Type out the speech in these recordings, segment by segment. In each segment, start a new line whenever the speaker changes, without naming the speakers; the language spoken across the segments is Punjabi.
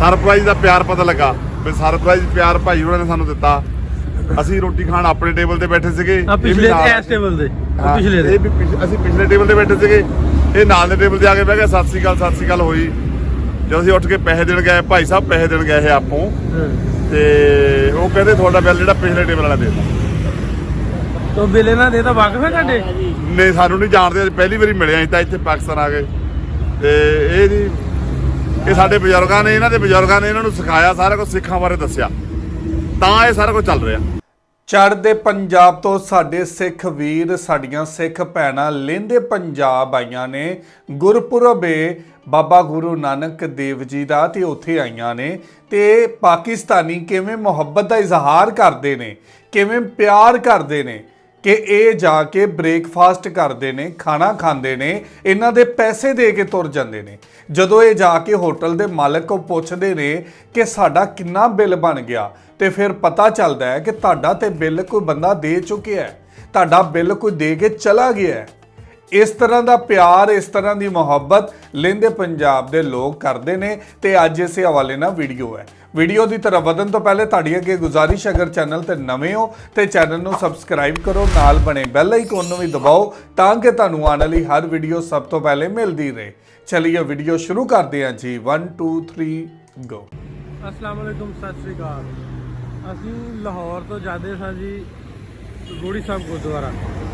ਸਰਪ੍ਰਾਈਜ਼ ਦਾ ਪਿਆਰ ਪਤਾ ਲੱਗਾ ਵੀ ਸਰਪ੍ਰਾਈਜ਼ ਪਿਆਰ ਭਾਈ ਉਹਨਾਂ ਨੇ ਸਾਨੂੰ ਦਿੱਤਾ। ਅਸੀਂ ਰੋਟੀ ਖਾਣ ਆਪਣੇ ਟੇਬਲ ਤੇ ਬੈਠੇ ਸੀਗੇ,
ਪਿਛਲੇ ਟੇਬਲ ਤੇ ਪਿਛਲੇ
ਇਹ ਵੀ ਅਸੀਂ ਪਿਛਲੇ ਟੇਬਲ ਤੇ ਬੈਠੇ ਸੀਗੇ, ਇਹ ਨਾਲ ਦੇ ਟੇਬਲ ਤੇ ਆ ਕੇ ਬਹਿ ਗਏ। ਸਤਿ ਸ੍ਰੀ ਅਕਾਲ ਹੋਈ। ਜਦੋਂ ਅਸੀਂ ਉੱਠ ਕੇ ਪੈਸੇ ਦੇਣ ਗਏ, ਭਾਈ ਸਾਹਿਬ ਪੈਸੇ ਦੇਣ ਗਏ ਇਹ ਆਪੋਂ, ਤੇ ਉਹ ਕਹਿੰਦੇ ਤੁਹਾਡਾ ਬਿੱਲ ਜਿਹੜਾ ਪਿਛਲੇ ਟੇਬਲ ਵਾਲਾ ਦੇ ਦਿੱਤਾ।
ਤੋ ਬਿੱਲ ਇਹਨਾਂ ਦੇ ਤਾਂ ਵਾਕਫ ਹੈ ਤੁਹਾਡੇ?
ਨਹੀਂ, ਸਾਨੂੰ ਨਹੀਂ ਜਾਣਦੇ, ਪਹਿਲੀ ਵਾਰੀ ਮਿਲੇ ਅਸੀਂ ਤਾਂ ਇੱਥੇ ਪਾਕਿਸਤਾਨ ਆ ਗਏ। ਤੇ ਇਹ ਜੀ ਇਹ ਸਾਡੇ ਬਜ਼ੁਰਗਾਂ ਨੇ, ਇਹਨਾਂ ਦੇ ਬਜ਼ੁਰਗਾਂ ਨੇ ਇਹਨਾਂ ਨੂੰ ਸਿਖਾਇਆ, ਸਾਰਾ ਕੁਝ ਸਿੱਖਾਂ ਬਾਰੇ ਦੱਸਿਆ, ਤਾਂ ਇਹ ਸਾਰਾ ਕੁਝ ਚੱਲ ਰਿਹਾ।
ਚੜ੍ਹਦੇ ਪੰਜਾਬ ਤੋਂ ਸਾਡੇ ਸਿੱਖ ਵੀਰ, ਸਾਡੀਆਂ ਸਿੱਖ ਭੈਣਾਂ ਲਹਿੰਦੇ ਪੰਜਾਬ ਆਈਆਂ ਨੇ। ਗੁਰਪੁਰਬ ਏ ਬਾਬਾ ਗੁਰੂ ਨਾਨਕ ਦੇਵ ਜੀ ਦਾ, ਤੇ ਉੱਥੇ ਆਈਆਂ ਨੇ। ਤੇ ਪਾਕਿਸਤਾਨੀ ਕਿਵੇਂ ਮੁਹੱਬਤ ਦਾ ਇਜ਼ਹਾਰ ਕਰਦੇ ਨੇ, ਕਿਵੇਂ ਪਿਆਰ ਕਰਦੇ ਨੇ ਕਿ ਇਹ ਜਾ ਕੇ ਬ੍ਰੇਕਫਾਸਟ ਕਰਦੇ ਨੇ, ਖਾਣਾ ਖਾਂਦੇ ਨੇ, ਇਹਨਾਂ ਦੇ ਪੈਸੇ ਦੇ ਕੇ ਤੁਰ ਜਾਂਦੇ ਨੇ। ਜਦੋਂ ਇਹ ਜਾ ਕੇ ਹੋਟਲ ਦੇ ਮਾਲਕ ਕੋਲ ਪੁੱਛਦੇ ਨੇ ਕਿ ਸਾਡਾ ਕਿੰਨਾ ਬਿੱਲ ਬਣ ਗਿਆ, ਤੇ ਫਿਰ ਪਤਾ ਚੱਲਦਾ ਹੈ ਕਿ ਤੁਹਾਡਾ ਤੇ ਬਿੱਲ ਕੋਈ ਬੰਦਾ ਦੇ ਚੁੱਕਿਆ ਹੈ, ਤੁਹਾਡਾ ਬਿੱਲ ਕੋਈ ਦੇ ਕੇ ਚਲਾ ਗਿਆ ਹੈ। ਇਸ ਤਰ੍ਹਾਂ ਦਾ ਪਿਆਰ, ਇਸ ਤਰ੍ਹਾਂ ਦੀ ਮੁਹੱਬਤ ਲਹਿੰਦੇ ਪੰਜਾਬ ਦੇ ਲੋਕ ਕਰਦੇ ਨੇ। ਤੇ ਅੱਜ ਇਸੇ ਹਵਾਲੇ ਨਾਲ ਵੀਡੀਓ ਹੈ। ਵੀਡੀਓ ਦੀ ਤਰਫ ਵਧਣ ਤੋਂ ਪਹਿਲੇ ਤੁਹਾਡੀ ਅੱਗੇ ਗੁਜ਼ਾਰਿਸ਼, ਅਗਰ ਚੈਨਲ ਤੇ ਨਵੇਂ ਹੋ ਤੇ ਚੈਨਲ ਨੂੰ ਸਬਸਕ੍ਰਾਈਬ ਕਰੋ, ਨਾਲ ਬਣੇ ਬੈਲ ਆਈਕਨ ਨੂੰ ਵੀ ਦਬਾਓ ਤਾਂ ਕਿ ਤੁਹਾਨੂੰ ਆਉਣ ਵਾਲੀ ਹਰ ਵੀਡੀਓ ਸਭ ਤੋਂ ਪਹਿਲੇ ਮਿਲਦੀ ਰਹੇ। ਚਲਿਏ ਵੀਡੀਓ ਸ਼ੁਰੂ ਕਰਦੇ ਹਾਂ ਜੀ। 1 2 3 ਗੋ।
अस्सलाम वालेकुम, सत श्री अकाल। ਅਸੀਂ ਲਾਹੌਰ ਤੋਂ ਜਾਂਦੇ ਸਾਂ ਜੀ ਗੋੜੀ ਸਾਹਿਬ ਗੁਰਦੁਆਰਾ।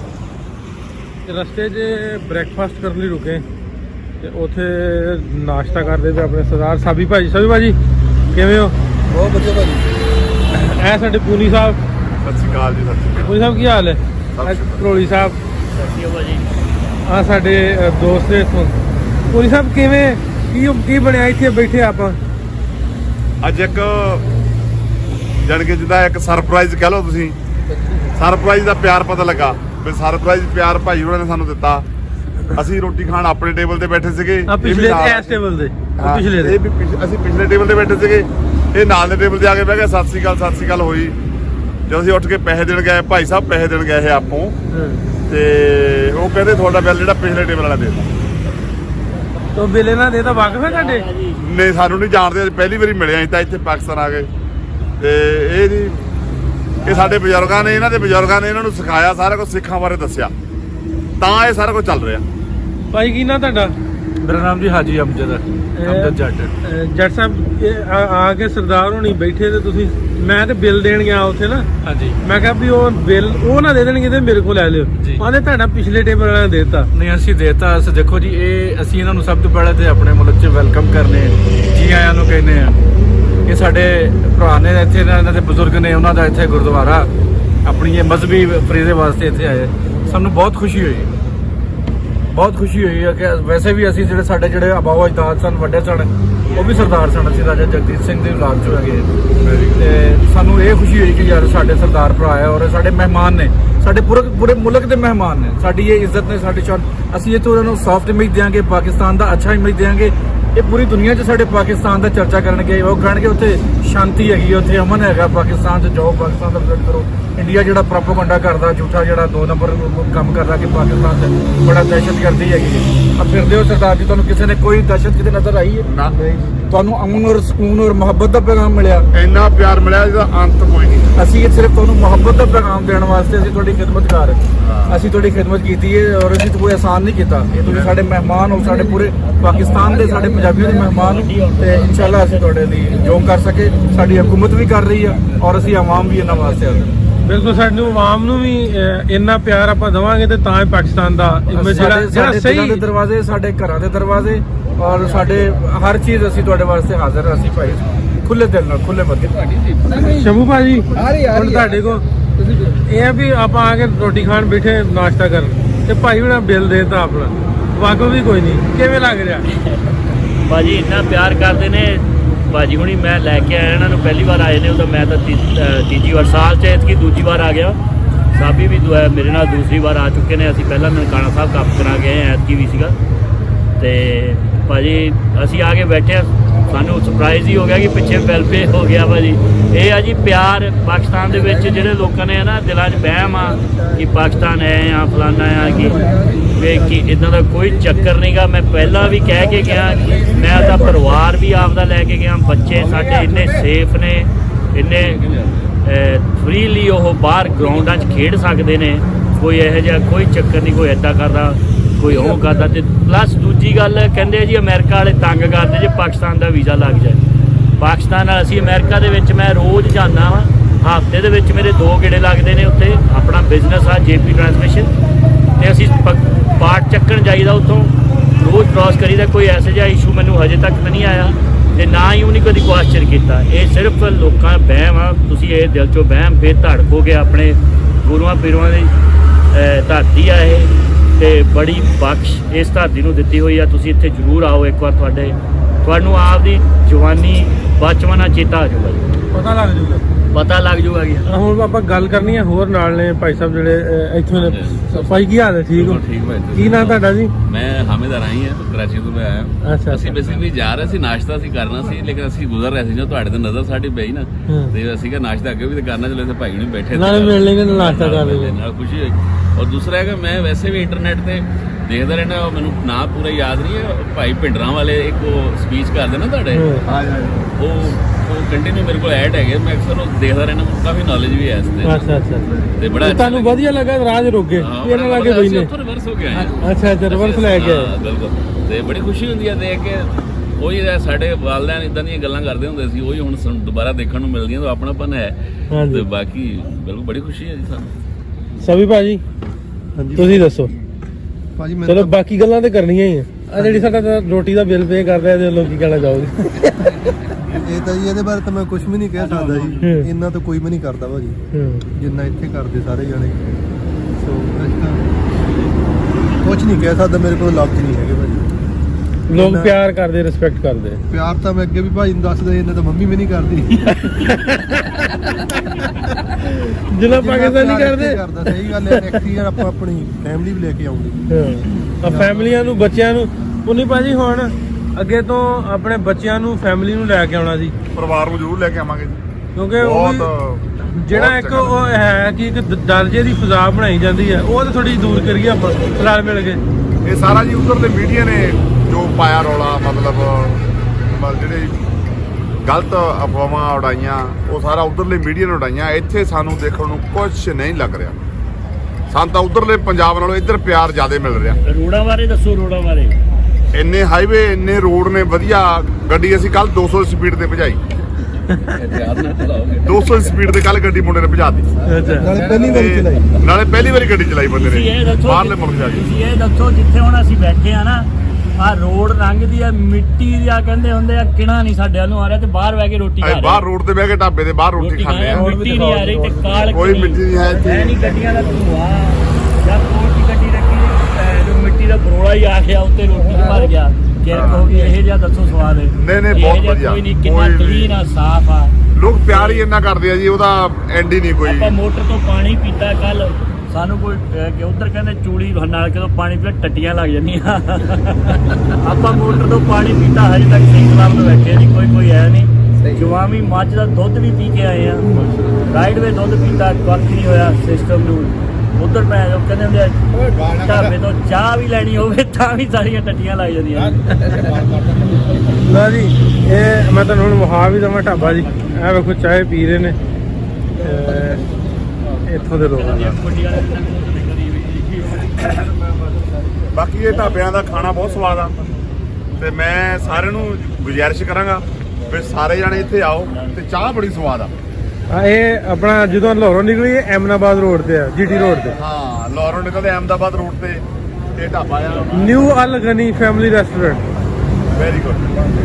ਰਸਤੇ 'ਚ ਬ੍ਰੇਕਫਾਸਟ ਕਰਨ ਲਈ ਰੁਕੇ ਤੇ ਉੱਥੇ ਨਾਸ਼ਤਾ ਕਰਦੇ ਪਏ ਆਪਣੇ ਸਰਦਾਰ ਸਾਬੀ ਭਾਜੀ। ਕਿਵੇਂ ਹੋ?
ਬਹੁਤ ਵਧੀਆ ਭਾਜੀ।
ਇਹ ਸਾਡੇ ਪੂਨੀ ਸਾਹਿਬ।
ਸਤਿ ਸ਼੍ਰੀ ਅਕਾਲ ਜੀ। ਸਤਿ ਸ਼੍ਰੀ
ਪੂਨੀ ਸਾਹਿਬ ਕੀ ਹਾਲ ਹੈ? ਕਰੋਲੀ ਸਾਹਿਬ। ਆ ਸਾਡੇ ਦੋਸਤ ਨੇ ਇੱਥੋਂ। ਪੂਨੀ ਸਾਹਿਬ ਕਿਵੇਂ, ਕੀ ਬਣਿਆ ਇੱਥੇ ਬੈਠੇ ਆਪਾਂ?
ਅੱਜ ਇੱਕ ਜਾਣੀ ਕਿ ਜਿੱਦਾਂ ਇੱਕ ਸਰਪ੍ਰਾਈਜ਼ ਕਹਿ ਲਓ ਤੁਸੀਂ, ਸਰਪ੍ਰਾਈਜ਼ ਦਾ ਪਿਆਰ ਪਤਾ ਲੱਗਾ ਵੀ ਸਰਪ੍ਰਾਈਜ਼ ਪਿਆਰ ਭਾਈ ਉਹਨਾਂ ਨੇ ਸਾਨੂੰ ਦਿੱਤਾ। ਅਸੀਂ ਰੋਟੀ ਖਾਣ ਆਪਣੇ ਟੇਬਲ ਤੇ ਬੈਠੇ ਸੀਗੇ,
ਪਿਛਲੇ ਟੇਬਲ ਤੇ ਪਿਛਲੇ
ਇਹ ਵੀ ਅਸੀਂ ਪਿਛਲੇ ਟੇਬਲ ਤੇ ਬੈਠੇ ਸੀਗੇ, ਇਹ ਨਾਲ ਦੇ ਟੇਬਲ ਤੇ ਆ ਕੇ ਬਹਿ ਗਏ। ਸਤਿ ਸ੍ਰੀ ਅਕਾਲ ਹੋਈ। ਜਦੋਂ ਅਸੀਂ ਉੱਠ ਕੇ ਪੈਸੇ ਦੇਣ ਗਏ, ਭਾਈ ਸਾਹਿਬ ਪੈਸੇ ਦੇਣ ਗਏ ਇਹ ਆਪੋਂ, ਤੇ ਉਹ ਕਹਿੰਦੇ ਤੁਹਾਡਾ ਬਿੱਲ ਜਿਹੜਾ ਪਿਛਲੇ ਟੇਬਲ ਵਾਲਾ ਦੇ ਦਿੱਤਾ।
ਤੋ ਬਿੱਲ ਇਹਨਾਂ ਦੇ ਤਾਂ ਵਾਕਫ ਹੈ ਤੁਹਾਡੇ?
ਨਹੀਂ, ਸਾਨੂੰ ਨਹੀਂ ਜਾਣਦੇ, ਪਹਿਲੀ ਵਾਰੀ ਮਿਲੇ ਅਸੀਂ ਤਾਂ ਇੱਥੇ ਪਾਕਿਸਤਾਨ ਆ ਗਏ। ਤੇ ਇਹ ਜੀ ਇਹ ਸਾਡੇ ਬਜ਼ੁਰਗਾਂ ਨੇ, ਇਹਨਾਂ ਦੇ ਬਜ਼ੁਰਗਾਂ ਨੇ ਇਹਨਾਂ ਨੂੰ ਸਿਖਾਇਆ, ਸਾਰਾ ਕੁਝ ਸਿੱਖਾਂ ਬਾਰੇ ਦੱਸਿਆ, ਤਾਂ ਇਹ ਸਾਰਾ ਕੁਝ ਚੱਲ ਰਿਹਾ।
ਭਾਈ ਕੀ ਨਾਂ ਤੁਹਾਡਾ?
ਮੇਰਾ ਨਾਮ ਜੀ ਹਾਜੀ ਅਮਜਦ ਜੱਟ।
ਜੱਟ ਸਾਹਿਬ ਆ ਕੇ ਸਰਦਾਰ ਹੋਣੀ ਬੈਠੇ ਤੇ ਤੁਸੀਂ, ਮੈਂ ਤੇ ਬਿੱਲ ਦੇਣ ਗਿਆ ਉੱਥੇ ਨਾ।
ਹਾਂਜੀ।
ਮੈਂ ਕਿਹਾ ਵੀ ਉਹ ਬਿੱਲ ਉਹ ਨਾ ਦੇ ਦੇਣਗੇ ਤੇ ਮੇਰੇ ਕੋਲ ਲੈ ਲਿਓ। ਉਹਨੇ ਤੁਹਾਡਾ ਪਿਛਲੇ ਟੇਬਲ ਵਾਲਾ ਦੇ ਦਿੱਤਾ।
ਨਹੀਂ, ਅਸੀਂ ਦੇਤਾ। ਅਸੀਂ ਦੇਖੋ ਜੀ, ਇਹ ਅਸੀਂ ਇਹਨਾਂ ਨੂੰ ਸਭ ਤੋਂ ਪਹਿਲਾਂ ਤੇ ਆਪਣੇ ਮੁਲਕ 'ਚ ਵੈਲਕਮ ਕਰਨੇ, ਜੀ ਆਇਆਂ ਨੂੰ ਕਹਿੰਦੇ ਆ। ਇਹ ਸਾਡੇ ਭਰਾ ਨੇ ਇੱਥੇ, ਇਹਨਾਂ ਦੇ ਬਜ਼ੁਰਗ ਨੇ, ਉਹਨਾਂ ਦਾ ਇੱਥੇ ਗੁਰਦੁਆਰਾ ਆਪਣੀ ਇਹ ਮਜ਼ਹਬੀ ਫਰੀਜ਼ੇ ਵਾਸਤੇ ਇੱਥੇ ਆਏ। ਸਾਨੂੰ ਬਹੁਤ ਖੁਸ਼ੀ ਹੋਈ ਹੈ ਕਿ ਵੈਸੇ ਵੀ ਅਸੀਂ ਜਿਹੜੇ ਆਬਾਓ ਅਜਦਾਦ ਸਨ, ਵੱਡੇ ਸਨ, ਉਹ ਵੀ ਸਰਦਾਰ ਸਨ। ਅਸੀਂ ਰਾਜਾ ਜਗਦੀਪ ਸਿੰਘ ਦੇ ਔਲਾਦ ਚੋਂ ਹੈਗੇ। ਤੇ ਸਾਨੂੰ ਇਹ ਖੁਸ਼ੀ ਹੋਈ ਕਿ ਯਾਰ ਸਾਡੇ ਸਰਦਾਰ ਭਰਾ ਹੈ ਔਰ ਸਾਡੇ ਮਹਿਮਾਨ ਨੇ, ਸਾਡੇ ਪੂਰੇ ਮੁਲਕ ਦੇ ਮਹਿਮਾਨ ਨੇ। ਸਾਡੀ ਇਹ ਇੱਜ਼ਤ ਨੇ, ਸਾਡੀ ਸ਼ਾਨ। ਅਸੀਂ ਇੱਥੇ ਉਹਨਾਂ ਨੂੰ ਸੌਫਟ ਇਮੇਜ ਦਿਆਂਗੇ, ਪਾਕਿਸਤਾਨ ਦਾ ਅੱਛਾ ਇਮੇਜ ਦਿਆਂਗੇ। ਇਹ ਪੂਰੀ ਦੁਨੀਆ 'ਚ ਸਾਡੇ ਪਾਕਿਸਤਾਨ ਦਾ ਚਰਚਾ ਕਰਨਗੇ। ਉਹ ਕਹਿਣਗੇ ਉੱਥੇ ਸ਼ਾਂਤੀ ਹੈਗੀ, ਉੱਥੇ ਅਮਨ ਹੈਗਾ, ਪਾਕਿਸਤਾਨ 'ਚ ਜਾਓ, ਪਾਕਿਸਤਾਨ ਦਾ ਵਿਜ਼ਿਟ ਕਰੋ। ਇੰਡੀਆ ਜਿਹੜਾ ਪ੍ਰੋਪੇਗੈਂਡਾ ਕਰਦਾ, ਝੂਠਾ ਜਿਹੜਾ 2 ਨੰਬਰ ਕੰਮ ਕਰਦਾ ਕਿ ਪਾਕਿਸਤਾਨ 'ਚ ਬੜਾ ਦਹਿਸ਼ਤਗਰਦੀ ਹੈਗੀ। ਆ ਫਿਰਦੇ ਹੋ ਸਰਦਾਰ ਜੀ, ਤੁਹਾਨੂੰ ਕਿਸੇ ਨੇ ਕੋਈ ਦਹਿਸ਼ਤ ਕਿਤੇ ਨਜ਼ਰ ਆਈ ਹੈ?
ਨਾ।
ਤੁਹਾਨੂੰ ਅਮਨ ਔਰ ਸਕੂਨ ਔਰ ਮੁਹੱਬਤ ਦਾ ਪੈਗਾਮ ਮਿਲਿਆ?
ਇੰਨਾ ਪਿਆਰ ਮਿਲਿਆ ਜਿਹਦਾ ਅੰਤ ਕੋਈ ਨਹੀਂ।
ਅਸੀਂ ਇਹ ਸਿਰਫ ਤੁਹਾਨੂੰ ਮੁਹੱਬਤ ਦਾ ਪੈਗਾਮ ਦੇਣ ਵਾਸਤੇ ਅਸੀਂ ਤੁਹਾਡੀ ਖਿਦਮਤਕਾਰ ਹਾਂ। ਅਸੀਂ ਤੁਹਾਡੀ ਖਿਦਮਤ ਕੀਤੀ ਹੈ ਔਰ ਅਸੀਂ ਕੋਈ ਆਸਾਨ ਨਹੀਂ ਕੀਤਾ। ਇਹ ਤੁਸੀਂ ਸਾਡੇ ਮਹਿਮਾਨ ਹੋ, ਸਾਡੇ ਪੂਰੇ ਪਾਕਿਸਤਾਨ ਦੇ, ਸਾਡੇ ਪੰਜਾਬੀਆਂ ਦੇ ਮਹਿਮਾਨ ਹੋ। ਤੇ ਇਨਸ਼ਾਅੱਲਾ ਅਸੀਂ ਤੁਹਾਡੇ ਲਈ ਜੋ ਕਰ ਸਕੇ, ਸਾਡੀ ਹਕੂਮਤ ਵੀ ਕਰ ਰਹੀ ਹੈ ਔਰ ਅਸੀਂ ਆਵਾਮ ਵੀ ਇਹਨਾਂ ਵਾਸਤੇ ਆ ਗਏ।
ਬਿਲਕੁਲ, ਸਾਨੂੰ ਆਵਾਮ ਨੂੰ ਵੀ ਇੰਨਾ ਪਿਆਰ ਆਪਾਂ ਦੇਵਾਂਗੇ ਤੇ ਤਾਂ ਹੀ ਪਾਕਿਸਤਾਨ ਦਾ ਇਮੇਜ ਜਿਹੜਾ ਸਹੀ।
ਦੇ ਦਰਵਾਜ਼ੇ, ਸਾਡੇ ਘਰਾਂ ਦੇ ਦਰਵਾਜ਼ੇ ਔਰ ਸਾਡੇ ਹਰ ਚੀਜ਼ ਅਸੀਂ ਤੁਹਾਡੇ ਵਾਸਤੇ ਹਾਜ਼ਰ। ਅਸੀਂ ਭਾਈ ਖੁੱਲੇ ਦਿਲ ਨਾਲ, ਖੁੱਲੇ ਮੱਥੇ।
ਸ਼ੰਭੂ ਭਾਜੀ, ਹੁਣ ਤੁਹਾਡੇ ਕੋਲ ਇਹ ਆ ਵੀ ਆਪਾਂ ਆ ਕੇ ਰੋਟੀ ਖਾਣ ਬੈਠੇ, ਨਾਸ਼ਤਾ ਕਰਨ, ਤੇ ਭਾਈ ਹੁਣਾਂ ਬਿੱਲ ਦੇਤਾ ਆਪਣਾ, ਵਾਕੋ ਵੀ ਕੋਈ ਨਹੀਂ। ਕਿਵੇਂ ਲੱਗ ਰਿਹਾ
ਭਾਜੀ? ਇੰਨਾ ਪਿਆਰ ਕਰਦੇ ਨੇ ਭਾਜੀ ਹੁਣੀ। ਮੈਂ ਲੈ ਕੇ ਆਇਆ ਇਹਨਾਂ ਨੂੰ, ਪਹਿਲੀ ਵਾਰ ਆਏ ਨੇ, ਉਹਦਾ ਮੈਂ ਤਾਂ ਤੀਜੀ ਵਾਰ, ਸਾਲ 'ਚ ਐਤਕੀ ਦੂਜੀ ਵਾਰ ਆ ਗਿਆ। ਸਾਬੀ ਵੀ ਮੇਰੇ ਨਾਲ ਦੂਸਰੀ ਵਾਰ ਆ ਚੁੱਕੇ ਨੇ। ਅਸੀਂ ਪਹਿਲਾਂ ਨਨਕਾਣਾ ਸਾਹਿਬ ਕੰਮ ਕਰਾ ਗਏ, ਐਤਕੀ ਵੀ ਸੀਗਾ। ਤੇ ਭਾਜੀ ਅਸੀਂ ਆ ਕੇ ਬੈਠੇ, ਸਾਨੂੰ ਸਰਪ੍ਰਾਈਜ਼ ਹੀ ਹੋ ਗਿਆ ਕਿ ਪਿੱਛੇ ਬਿੱਲ ਪੇ ਹੋ ਗਿਆ ਭਾਜੀ। ਇਹ ਆ ਜੀ ਪਿਆਰ। ਪਾਕਿਸਤਾਨ ਦੇ ਵਿੱਚ ਜਿਹੜੇ ਲੋਕਾਂ ਨੇ ਨਾ ਦਿਲਾਂ 'ਚ ਵਹਿਮ ਆ ਕਿ ਪਾਕਿਸਤਾਨ ਹੈ ਆ, ਫਲਾਨਾ ਆ, ਕਿ ਕਿ ਇਦਾਂ ਦਾ ਕੋਈ ਚੱਕਰ ਨਹੀਂਗਾ। ਮੈਂ ਪਹਿਲਾਂ ਵੀ ਕਹਿ ਕੇ ਗਿਆ, ਮੈਂ ਆਪਦਾ ਪਰਿਵਾਰ ਵੀ ਆਪਦਾ ਲੈ ਕੇ ਗਿਆ। ਬੱਚੇ ਸਾਡੇ ਇੰਨੇ ਸੇਫ ਨੇ, ਇੰਨੇ ਫ੍ਰੀਲੀ ਉਹ ਬਾਹਰ ਗਰਾਊਂਡਾਂ 'ਚ ਖੇਡ ਸਕਦੇ ਨੇ। ਕੋਈ ਇਹੋ ਜਿਹਾ ਕੋਈ ਚੱਕਰ ਨਹੀਂ, ਕੋਈ ਇੱਦਾਂ ਕਰਦਾ, ਕੋਈ ਉਹ ਕਰਦਾ। ਤੇ ਪਲੱਸ ਦੂਜੀ ਗੱਲ ਕਹਿੰਦੇ ਜੀ ਅਮਰੀਕਾ ਵਾਲੇ ਤੰਗ ਕਰਦੇ ਜੇ ਪਾਕਿਸਤਾਨ ਦਾ ਵੀਜ਼ਾ ਲੱਗ ਜਾਏ। ਪਾਕਿਸਤਾਨ ਨਾਲ ਅਸੀਂ ਅਮਰੀਕਾ ਦੇ ਵਿੱਚ ਮੈਂ ਰੋਜ਼ ਜਾਂਦਾ ਵਾਂ, ਹਫ਼ਤੇ ਦੇ ਵਿੱਚ ਮੇਰੇ 2 ਗੇੜੇ ਲੱਗਦੇ ਨੇ ਉੱਥੇ। ਆਪਣਾ ਬਿਜ਼ਨਸ ਆ JP ਟਰਾਂਸਮਿਸ਼ਨ, ਤੇ ਅਸੀਂ ਪਾਰਟ ਚੱਕਣ ਜਾਈਦਾ ਉੱਥੋਂ, ਰੋਜ਼ ਕ੍ਰਾਸ ਕਰੀਦਾ। ਕੋਈ ਐਸਾ ਜਿਹਾ ਇਸ਼ੂ ਮੈਨੂੰ ਹਜੇ ਤੱਕ ਤਾਂ ਨਹੀਂ ਆਇਆ, ਤੇ ਨਾ ਹੀ ਉਹਨੇ ਕਦੀ ਕੁਐਸਚਨ ਕੀਤਾ। ਇਹ ਸਿਰਫ ਲੋਕਾਂ ਵਹਿਮ ਆ, ਤੁਸੀਂ ਇਹ ਦਿਲ 'ਚੋਂ ਵਹਿਮ ਫੇਰ ਧੜਕੋਗੇ। ਆਪਣੇ ਗੁਰੂਆਂ ਪੀਰਾਂ ਦੀ ਧਰਤੀ ਆ ਇਹ, ਤੇ ਬੜੀ ਬਖਸ਼ ਇਸ ਧਰਤੀ ਨੂੰ ਦਿੱਤੀ ਹੋਈ ਆ। ਤੁਸੀਂ ਇੱਥੇ ਜ਼ਰੂਰ ਆਓ ਇੱਕ ਵਾਰ, ਤੁਹਾਨੂੰ ਆਪਦੀ ਜਵਾਨੀ ਬਚਪਨਾ ਚੇਤਾ ਆ ਜਾਊਗਾ ਜੀ,
ਪਤਾ ਲੱਗ ਜੂਗਾ।
ਪਤਾ ਲੱਗ ਜਾਊਗਾ ਜੀ।
ਹੁਣ ਆਪਾਂ ਗੱਲ ਕਰਨੀ ਹੈ ਹੋਰ ਨਾਲ ਨੇ ਭਾਈ ਸਾਹਿਬ ਜਿਹੜੇ ਇੱਥੋਂ ਨੇ। ਭਾਈ ਕੀ ਹਾਲ ਹੈ? ਠੀਕ ਹੋ?
ਠੀਕ ਭਾਈ।
ਕੀ ਨਾਂ ਤੁਹਾਡਾ ਜੀ?
ਮੈਂ ਹਾਮਿਦ ਰਾਹੀ ਹਾਂ, ਕਰਾਚੀ ਤੋਂ ਮੈਂ ਆਇਆ।
ਅੱਛਾ,
ਅਸੀਂ ਬੇਸਿਕਲੀ ਜਾ ਰਹੇ ਸੀ, ਨਾਸ਼ਤਾ ਸੀ ਕਰਨਾ ਸੀ, ਲੇਕਿਨ ਅਸੀਂ ਗੁਜ਼ਰ ਰਹੇ ਸੀ ਜਦੋਂ ਤੁਹਾਡੇ ਤੇ ਨਜ਼ਰ ਸਾਡੀ ਪਈ ਨਾ, ਤੇ ਅਸੀਂ ਕਿਹਾ ਨਾਸ਼ਤਾ ਅੱਗੇ ਵੀ ਤੇ ਕਰਨਾ, ਚਲੋ ਇੱਥੇ ਭਾਈ ਨੂੰ ਬੈਠੇ
ਨਾਲੇ ਮਿਲ ਲੈਂਗੇ, ਨਾਸ਼ਤਾ ਕਰ ਲੈਂਗੇ,
ਨਾਲ ਖੁਸ਼ੀ ਹੋਈ। ਔਰ ਦੂਸਰਾ ਹੈਗਾ, ਮੈਂ ਵੈਸੇ ਵੀ ਇੰਟਰਨੈਟ ਤੇ ਦੇਖਦਾ ਰਹਿਣਾ, ਮੈਨੂੰ ਨਾਂ ਪੂਰਾ ਯਾਦ ਨਹੀਂ ਹੈ, ਭਾਈ ਭਿੰਡਰਾਂ ਵਾਲੇ ਇੱਕ ਉਹ ਸਪੀਚ ਕਰਦੇ ਨਾ ਤੁਹਾਡੇ, ਉਹ ਕੰਟੀਨਿਊ ਮੇਰੇ ਕੋਲ ਐਡ ਹੈਗੇ, ਮੈਂ ਅਕਸਰ ਉਹ ਦੇਖਦਾ ਰਹਿਣਾ, ਮੈਨੂੰ ਕਾਫੀ ਨੌਲੇਜ ਵੀ ਹੈ ਇਸ ਤੇ।
ਅੱਛਾ ਅੱਛਾ।
ਤੇ ਬੜਾ
ਤੁਹਾਨੂੰ ਵਧੀਆ ਲੱਗਾ ਰਾਜ ਰੁਕ ਗਏ ਇਹਨਾਂ ਲਾਗੇ ਬਈ ਨੇ?
ਉੱਥੋਂ ਰਿਵਰਸ ਹੋ ਕੇ ਆਏ।
ਅੱਛਾ ਅੱਛਾ, ਰਿਵਰਸ ਲੈ ਕੇ ਆਏ।
ਬਿਲਕੁਲ। ਤੇ ਬੜੀ ਖੁਸ਼ੀ ਹੁੰਦੀ ਹੈ ਦੇਖ ਕੇ, ਉਹੀ ਸਾਡੇ ਵਾਲਿਆਂ ਇਦਾਂ ਦੀਆਂ ਗੱਲਾਂ ਕਰਦੇ ਹੁੰਦੇ ਸੀ, ਉਹੀ ਹੁਣ ਦੁਬਾਰਾ ਦੇਖਣ ਨੂੰ ਮਿਲਦੀਆਂ, ਤਾਂ ਆਪਣਾਪਨ ਹੈ। ਤੇ ਬਾਕੀ ਬਿਲਕੁਲ ਬੜੀ ਖੁਸ਼ੀ ਹੈ ਜੀ ਸਾਨੂੰ।
ਸਭੀ ਭਾਜੀ ਤੁਸੀਂ ਦੱਸੋ ਭਾਜੀ? ਚਲੋ ਬਾਕੀ ਗੱਲਾਂ ਤੇ ਕਰਨੀਆਂ ਹੀ ਆ ਜਿਹੜੀ ਸਾਡਾ ਰੋਟੀ ਦਾ ਬਿੱਲ ਪੇ ਕਰਦਾ ਇਹਦੇ ਵੱਲੋਂ ਕੀ ਕਹਿਣਾ ਚਾਹੋਗੇ?
ਇਹ ਤਾਂ ਜੀ ਇਹਦੇ ਬਾਰੇ ਤਾਂ ਮੈਂ ਕੁਝ ਵੀ ਨਹੀਂ ਕਹਿ ਸਕਦਾ ਜੀ, ਇੰਨਾ ਤਾਂ ਕੋਈ ਵੀ ਨਹੀਂ ਕਰਦਾ ਭਾਜੀ ਜਿੰਨਾ ਇੱਥੇ ਕਰਦੇ ਸਾਰੇ ਜਣੇ। ਸੋ ਕੁਝ ਨਹੀਂ ਕਹਿ ਸਕਦਾ, ਮੇਰੇ ਕੋਲ ਲਫ਼ਜ਼ ਨਹੀਂ ਹੈਗੇ ਭਾਜੀ।
ਲੋਕ ਪਿਆਰ ਕਰਦੇ, ਰਿਸਪੈਕਟ ਕਰਦੇ।
ਪਿਆਰ ਤਾਂ ਮੈਂ ਅੱਗੇ ਵੀ ਭਾਜੀ ਨੂੰ ਦੱਸਦਾ, ਇਹਨਾਂ ਤਾਂ ਮੰਮੀ ਵੀ ਨਹੀਂ ਕਰਦੀ।
ਜਿੰਨਾ ਪਾਕਿਸਤਾਨੀ ਕਰਦੇ
ਕਰਦਾ। ਸਹੀ ਗੱਲ ਹੈ, ਨੈਕਸਟ ਈਅਰ ਆਪਾਂ ਆਪਣੀ ਫੈਮਿਲੀ ਵੀ ਲੈ ਕੇ ਆਉਂਗੇ।
ਫੈਮਲੀਆਂ ਨੂੰ, ਬੱਚਿਆਂ ਨੂੰ। ਉਨੀ ਭਾਜੀ ਹੁਣ ਅੱਗੇ ਤੋਂ ਆਪਣੇ ਬੱਚਿਆਂ ਨੂੰ, ਫੈਮਿਲੀ ਨੂੰ ਲੈ ਕੇ ਆਉਣਾ ਜੀ,
ਪਰਿਵਾਰ ਨੂੰ ਜ਼ਰੂਰ ਲੈ ਕੇ ਆਵਾਂਗੇ ਜੀ।
ਕਿਉਂਕਿ ਉਹ ਜਿਹੜਾ ਇੱਕ ਉਹ ਹੈ ਕਿ ਇੱਕ ਡਰ ਜੇ ਦੀ ਫਜ਼ਾ ਬਣਾਈ ਜਾਂਦੀ ਹੈ, ਉਹ ਤਾਂ ਥੋੜੀ ਦੂਰ ਕਰੀਏ ਆਪਾਂ ਰਲ ਮਿਲ ਕੇ।
ਇਹ ਸਾਰਾ ਜੀ ਉਧਰ ਦੇ ਮੀਡੀਆ ਨੇ ਜੋ ਪਾਇਆ ਰੌਲਾ, ਮਤਲਬ ਜਿਹੜੇ ਗਲਤ ਅਫਵਾਹਾਂ ਉਡਾਈਆਂ, ਉਹ ਸਾਰਾ ਉਧਰਲੇ ਮੀਡੀਆ ਨੇ ਉਡਾਈਆਂ। ਇੱਥੇ ਸਾਨੂੰ ਦੇਖਣ ਨੂੰ ਕੁਝ ਨਹੀਂ ਲੱਗ ਰਿਹਾ। ਸਾਨੂੰ ਤਾਂ ਉਧਰਲੇ ਪੰਜਾਬ ਨਾਲੋਂ ਇੱਧਰ ਪਿਆਰ ਜ਼ਿਆਦਾ ਮਿਲ ਰਿਹਾ।
ਰੋਡਾਂ ਬਾਰੇ ਦੱਸੋ, ਰੋਡਾਂ ਬਾਰੇ।
ਇੰਨੇ ਹਾਈਵੇ, ਇੰਨੇ ਰੋਡ ਨੇ ਵਧੀਆ। ਗੱਡੀ ਅਸੀਂ ਕੱਲ 200 ਸਪੀਡ ਤੇ ਭਜਾਈ, 200 ਸਪੀਡ ਤੇ ਕੱਲ ਗੱਡੀ ਮੁੰਡੇ ਨੇ ਭਜਾਤੀ।
ਨਾਲੇ ਪਹਿਲੀ ਵਾਰੀ ਚਲਾਈ,
ਨਾਲੇ ਪਹਿਲੀ ਵਾਰੀ ਗੱਡੀ ਚਲਾਈ ਬੰਦੇ
ਤੁਸੀਂ ਇਹ
ਨੇ
ਦੱਸੋ,
ਬਾਹਰਲੇ ਮੁਲਕ ਜਾ ਕੇ।
ਤੁਸੀਂ ਇਹ ਦੱਸੋ, ਜਿੱਥੇ ਹੁਣ ਅਸੀਂ ਬੈਠੇ ਆ ਨਾ, ਆ ਰੋਡ ਲੰਘਦੀ ਆ ਮਿੱਟੀ ਦੀ, ਆ ਕਹਿੰਦੇ ਹੁੰਦੇ ਆ ਕਿਣਾ ਨਹੀਂ ਸਾਡੇ ਵੱਲੋਂ ਆ ਰਿਹਾ, ਤੇ ਬਾਹਰ ਬਹਿ ਕੇ ਰੋਟੀ ਖਾ ਰਹੇ।
ਬਾਹਰ ਰੋਡ ਤੇ ਬਹਿ ਕੇ ਢਾਬੇ ਤੇ ਬਾਹਰ ਰੋਟੀ ਖਾਂਦੇ ਆ।
ਮਿੱਟੀ ਨਹੀਂ ਆ ਰਹੀ ਤੇ ਕਾਲ
ਕੋਈ ਮਿੱਟੀ ਨਹੀਂ ਹੈ ਇੱਥੇ।
ਨਹੀਂ ਗੱਡੀਆਂ ਦਾ ਧੂਆ, ਜਾਂ ਕੋਲ ਦੀ ਗੱਡੀ ਰੱਖੀ, ਜੋ ਮਿੱਟੀ ਦਾ ਬਰੋਲਾ ਹੀ ਆ ਗਿਆ ਉੱਤੇ, ਰੋਟੀ ਭਰ ਗਿਆ। ਕਿਰਕ ਹੋ ਗਈ। ਇਹ ਜਿਹਾ ਦੱਸੋ ਸਵਾਦ ਹੈ?
ਨਹੀਂ ਬਹੁਤ ਵਧੀਆ,
ਕੋਈ ਨਹੀਂ, ਕਿੰਨਾ ਕਲੀਨ ਆ, ਸਾਫ ਆ।
ਲੋਕ ਪਿਆਰ ਹੀ ਇੰਨਾ ਕਰਦੇ ਆ ਜੀ, ਉਹਦਾ ਐਂਡ ਹੀ ਨਹੀਂ ਕੋਈ।
ਆਪਾਂ ਮੋਟਰ ਤੋਂ ਪਾਣੀ ਪੀਤਾ ਕੱਲ, ਸਾਨੂੰ ਕੋਈ ਉਧਰ ਕਹਿੰਦੇ ਚੂੜੀ ਨਾਲ ਕਿਦੋਂ ਪਾਣੀ ਪੀਆ ਟੱਟੀਆਂ ਲੱਗ ਜਾਂਦੀਆਂ। ਆਪਾਂ ਮੋਟਰ ਤੋਂ ਪਾਣੀ ਪੀਤਾ, ਹਜੇ ਤੱਕ ਸਹੀ ਸਲਾਮਤ ਬੈਠੇ ਨਹੀਂ, ਕੋਈ ਹੈ ਨਹੀਂ। ਜਵਾਮੀ ਮੱਝ ਦਾ ਦੁੱਧ ਵੀ ਪੀ ਕੇ ਆਏ ਆ, ਰਾਈਡ ਵੇ ਦੁੱਧ ਪੀਤਾ, ਕੱਖ ਨਹੀਂ ਹੋਇਆ ਸਿਸਟਮ ਨੂੰ। ਉਧਰ ਮੈਂ ਕਹਿੰਦੇ ਹੁੰਦੇ ਆ ਢਾਬੇ ਤੋਂ ਚਾਹ ਵੀ ਲੈਣੀ ਹੋਵੇ ਤਾਂ ਵੀ ਸਾਰੀਆਂ ਟੱਟੀਆਂ ਲੱਗ ਜਾਂਦੀਆਂ।
ਨਾ ਜੀ, ਇਹ ਮੈਂ ਤੁਹਾਨੂੰ ਹੁਣ ਵਿਖਾ ਵੀ ਦਵਾਂ ਢਾਬਾ ਜੀ। ਇਹ ਵੇਖੋ ਚਾਹ ਪੀ ਰਹੇ ਨੇ ਇੱਥੋਂ ਦੇ ਲੋਕ।
ਬਾਕੀ ਇਹ ਢਾਬਿਆਂ ਦਾ ਖਾਣਾ ਬਹੁਤ ਸਵਾਦ ਆ, ਤੇ ਮੈਂ ਸਾਰਿਆਂ ਨੂੰ ਗੁਜ਼ਾਰਿਸ਼ ਕਰਾਂਗਾ ਵੀ ਸਾਰੇ ਜਾਣੇ ਇੱਥੇ ਆਓ, ਤੇ ਚਾਹ ਬੜੀ ਸਵਾਦ ਆ।
ਇਹ ਆਪਣਾ ਜਦੋਂ ਲਾਹੌਰੋਂ ਨਿਕਲੀ, ਐਮਨਾਬਾਦ ਰੋਡ ਤੇ ਆ, GT ਰੋਡ ਤੇ।
ਹਾਂ, ਲਾਹੌਰੋਂ ਨਿਕਲਦੇ ਅਹਿਮਦਾਬਾਦ ਰੋਡ ਤੇ ਇਹ ਢਾਬਾ ਆ,
new Al Gani family restaurant.
Very good.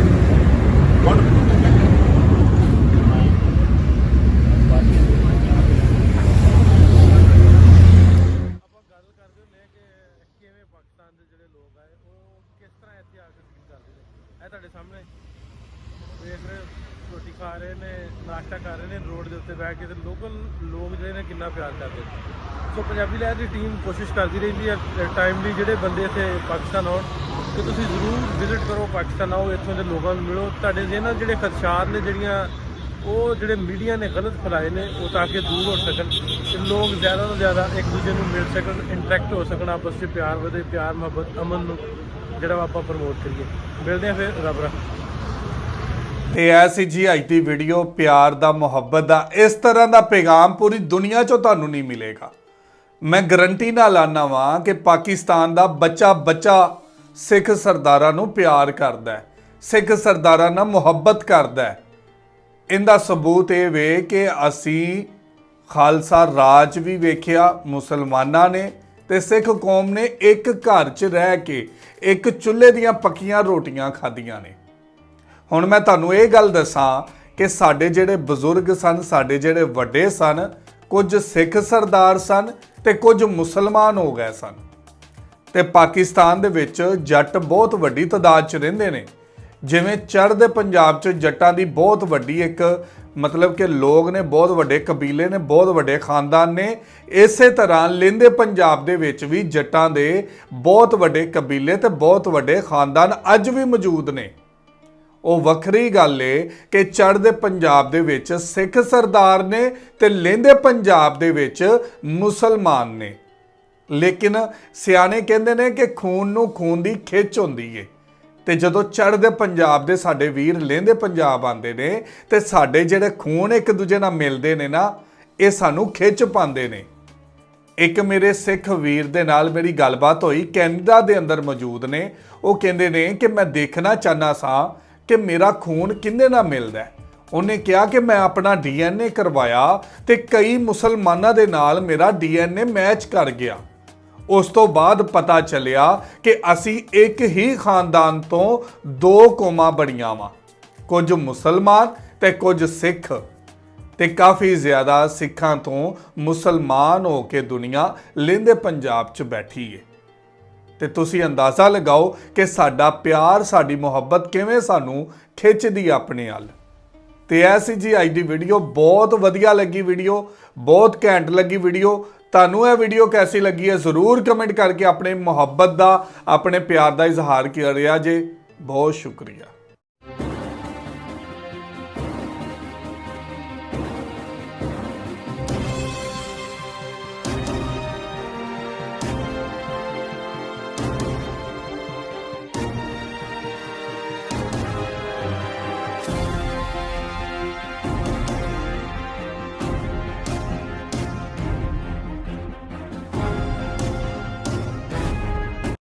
ਤੁਹਾਡੇ ਸਾਹਮਣੇ ਵੇਖ ਰਹੇ ਹੋ, ਰੋਟੀ ਖਾ ਰਹੇ ਨੇ, ਨਾਸ਼ਤਾ ਕਰ ਰਹੇ ਨੇ ਰੋਡ ਦੇ ਉੱਤੇ ਬੈਠ ਕੇ, ਤੇ ਲੋਕਲ ਲੋਕ ਜਿਹੜੇ ਨੇ ਕਿੰਨਾ ਪਿਆਰ ਕਰਦੇ ਨੇ। ਸੋ ਪੰਜਾਬੀ ਲਹਿਰ ਦੀ ਟੀਮ ਕੋਸ਼ਿਸ਼ ਕਰਦੀ ਰਹਿੰਦੀ ਹੈ ਟਾਈਮਲੀ ਜਿਹੜੇ ਬੰਦੇ ਇੱਥੇ ਪਾਕਿਸਤਾਨ ਆਉਣ, ਕਿ ਤੁਸੀਂ ਜ਼ਰੂਰ ਵਿਜ਼ਿਟ ਕਰੋ, ਪਾਕਿਸਤਾਨ ਆਓ, ਇੱਥੋਂ ਦੇ ਲੋਕਾਂ ਨੂੰ ਮਿਲੋ। ਤੁਹਾਡੇ ਜਿਹਨਾਂ ਜਿਹੜੇ ਖਦਸ਼ਾਤ ਨੇ, ਜਿਹੜੀਆਂ ਉਹ ਜਿਹੜੇ ਮੀਡੀਆ ਨੇ ਗਲਤ ਫੈਲਾਏ ਨੇ ਉਹ ਤਾਂ ਕਿ ਦੂਰ ਹੋ ਸਕਣ ਤੇ ਲੋਕ ਜ਼ਿਆਦਾ ਤੋਂ ਜ਼ਿਆਦਾ ਇੱਕ ਦੂਜੇ ਨੂੰ ਮਿਲ ਸਕਣ, ਇੰਟਰੈਕਟ ਹੋ ਸਕਣ, ਆਪਸ 'ਚ ਪਿਆਰ ਵਧੇ, ਪਿਆਰ ਮੁਹੱਬਤ ਅਮਨ ਨੂੰ ਜਿਹੜਾ ਵਾ ਆਪਾਂ ਪ੍ਰਮੋਟ ਕਰੀਏ। ਮਿਲਦੇ ਹਾਂ ਫਿਰ, ਰੱਬ ਰੱਖੇ।
ਤੇ ਐਸੀ ਜੀ ਅੱਜ ਦੀ ਵੀਡੀਓ ਪਿਆਰ ਦਾ, ਮੁਹੱਬਤ ਦਾ, ਇਸ ਤਰ੍ਹਾਂ ਦਾ ਪੈਗਾਮ ਪੂਰੀ ਦੁਨੀਆ 'ਚੋਂ ਤੁਹਾਨੂੰ ਨਹੀਂ ਮਿਲੇਗਾ। ਮੈਂ ਗਰੰਟੀ ਨਾਲ ਆਨਾ ਵਾਂ ਕਿ ਪਾਕਿਸਤਾਨ ਦਾ ਬੱਚਾ ਸਿੱਖ ਸਰਦਾਰਾਂ ਨੂੰ ਪਿਆਰ ਕਰਦਾ ਹੈ, ਸਿੱਖ ਸਰਦਾਰਾਂ ਨਾਲ ਮੁਹੱਬਤ ਕਰਦਾ ਹੈ। ਇਹਦਾ ਸਬੂਤ ਇਹ ਵੇ ਕਿ ਅਸੀਂ ਖਾਲਸਾ ਰਾਜ ਵੀ ਵੇਖਿਆ ਮੁਸਲਮਾਨਾਂ ਨੇ ਤੇ ਸਿੱਖ ਕੌਮ ਨੇ ਇੱਕ ਘਰ 'ਚ ਰਹਿ ਕੇ ਇੱਕ ਚੁੱਲ੍ਹੇ ਦੀਆਂ ਪੱਕੀਆਂ ਰੋਟੀਆਂ ਖਾਧੀਆਂ ਨੇ। ਹੁਣ ਮੈਂ ਤੁਹਾਨੂੰ ਇਹ ਗੱਲ ਦੱਸਾਂ ਕਿ ਸਾਡੇ ਜਿਹੜੇ ਬਜ਼ੁਰਗ ਸਨ, ਸਾਡੇ ਜਿਹੜੇ ਵੱਡੇ ਸਨ, ਕੁਝ ਸਿੱਖ ਸਰਦਾਰ ਸਨ ਤੇ ਕੁਝ ਮੁਸਲਮਾਨ ਹੋ ਗਏ ਸਨ। ਤੇ ਪਾਕਿਸਤਾਨ ਦੇ ਵਿੱਚ ਜੱਟ ਬਹੁਤ ਵੱਡੀ ਤਾਦਾਦ 'ਚ ਰਹਿੰਦੇ ਨੇ। ਜਿਵੇਂ ਚੜ੍ਹਦੇ ਪੰਜਾਬ 'ਚ ਜੱਟਾਂ ਦੀ ਬਹੁਤ ਵੱਡੀ ਇੱਕ ਮਤਲਬ ਕਿ ਲੋਕ ਨੇ, ਬਹੁਤ ਵੱਡੇ ਕਬੀਲੇ ਨੇ, ਬਹੁਤ ਵੱਡੇ ਖਾਨਦਾਨ ਨੇ, ਇਸੇ ਤਰ੍ਹਾਂ ਲਹਿੰਦੇ ਪੰਜਾਬ ਦੇ ਵਿੱਚ ਵੀ ਜੱਟਾਂ ਦੇ ਬਹੁਤ ਵੱਡੇ ਕਬੀਲੇ ਤੇ ਬਹੁਤ ਵੱਡੇ ਖਾਨਦਾਨ ਅੱਜ ਵੀ ਮੌਜੂਦ ਨੇ। ਉਹ ਵੱਖਰੀ ਗੱਲ ਏ ਕਿ ਚੜ੍ਹਦੇ ਪੰਜਾਬ ਦੇ ਵਿੱਚ ਸਿੱਖ ਸਰਦਾਰ ਨੇ ਤੇ ਲਹਿੰਦੇ ਪੰਜਾਬ ਦੇ ਵਿੱਚ ਮੁਸਲਮਾਨ ਨੇ। ਲੇਕਿਨ ਸਿਆਣੇ ਕਹਿੰਦੇ ਨੇ ਕਿ ਖੂਨ ਨੂੰ ਖੂਨ ਦੀ ਖਿੱਚ ਹੁੰਦੀ ਏ ਤੇ ਜਦੋਂ ਚੜ੍ਹਦੇ ਪੰਜਾਬ ਦੇ ਸਾਡੇ ਵੀਰ ਲਹਿੰਦੇ ਪੰਜਾਬ ਆਉਂਦੇ ਨੇ ਤੇ ਸਾਡੇ ਜਿਹੜੇ ਖੂਨ ਇੱਕ ਦੂਜੇ ਨਾਲ ਮਿਲਦੇ ਨੇ ਨਾ, ਇਹ ਸਾਨੂੰ ਖਿੱਚ ਪਾਉਂਦੇ ਨੇ। ਇੱਕ ਮੇਰੇ ਸਿੱਖ ਵੀਰ ਦੇ ਨਾਲ ਮੇਰੀ ਗੱਲਬਾਤ ਹੋਈ, ਕੈਨੇਡਾ ਦੇ ਅੰਦਰ ਮੌਜੂਦ ਨੇ। ਉਹ ਕਹਿੰਦੇ ਨੇ ਕਿ ਮੈਂ ਦੇਖਣਾ ਚਾਹੁੰਦਾ ਸਾਂ ਕਿ ਮੇਰਾ ਖੂਨ ਕਿਹਦੇ ਨਾਲ ਮਿਲਦਾ। ਉਹਨੇ ਕਿਹਾ ਕਿ ਮੈਂ ਆਪਣਾ DNA ਕਰਵਾਇਆ ਤੇ ਕਈ ਮੁਸਲਮਾਨਾਂ ਦੇ ਨਾਲ ਮੇਰਾ DNA ਮੈਚ ਕਰ ਗਿਆ। ਉਸ ਤੋਂ ਬਾਅਦ ਪਤਾ ਚੱਲਿਆ ਕਿ ਅਸੀਂ ਇੱਕ ਹੀ ਖਾਨਦਾਨ ਤੋਂ ਦੋ ਕੌਮਾਂ ਬਣੀਆਂ ਵਾਂ, ਕੁਝ ਮੁਸਲਮਾਨ ਤੇ ਕੁਝ ਸਿੱਖ, ਤੇ ਕਾਫੀ ਜ਼ਿਆਦਾ ਸਿੱਖਾਂ ਤੋਂ ਮੁਸਲਮਾਨ ਹੋ ਕੇ ਦੁਨੀਆ ਲਹਿੰਦੇ ਪੰਜਾਬ 'ਚ ਬੈਠੀ ਏ। ਤੇ ਤੁਸੀਂ ਅੰਦਾਜ਼ਾ ਲਗਾਓ ਕਿ ਸਾਡਾ ਪਿਆਰ, ਸਾਡੀ ਮੁਹੱਬਤ ਕਿਵੇਂ ਸਾਨੂੰ ਖਿੱਚਦੀ ਆਪਣੇ ਵੱਲ। ਤੇ ਐਸੀ ਜੀ ਅੱਜ ਦੀ ਵੀਡੀਓ ਬਹੁਤ ਵਧੀਆ ਲੱਗੀ, ਵੀਡੀਓ ਬਹੁਤ ਘੈਂਟ ਲੱਗੀ ਵੀਡੀਓ। ਤੁਹਾਨੂੰ ਇਹ ਵੀਡੀਓ ਕੈਸੀ ਲੱਗੀ ਹੈ ਜ਼ਰੂਰ ਕਮੈਂਟ ਕਰਕੇ ਆਪਣੇ ਮੁਹੱਬਤ ਦਾ, ਆਪਣੇ ਪਿਆਰ ਦਾ ਇਜ਼ਹਾਰ ਕਰਿਆ ਜੇ। ਬਹੁਤ ਸ਼ੁਕਰੀਆ।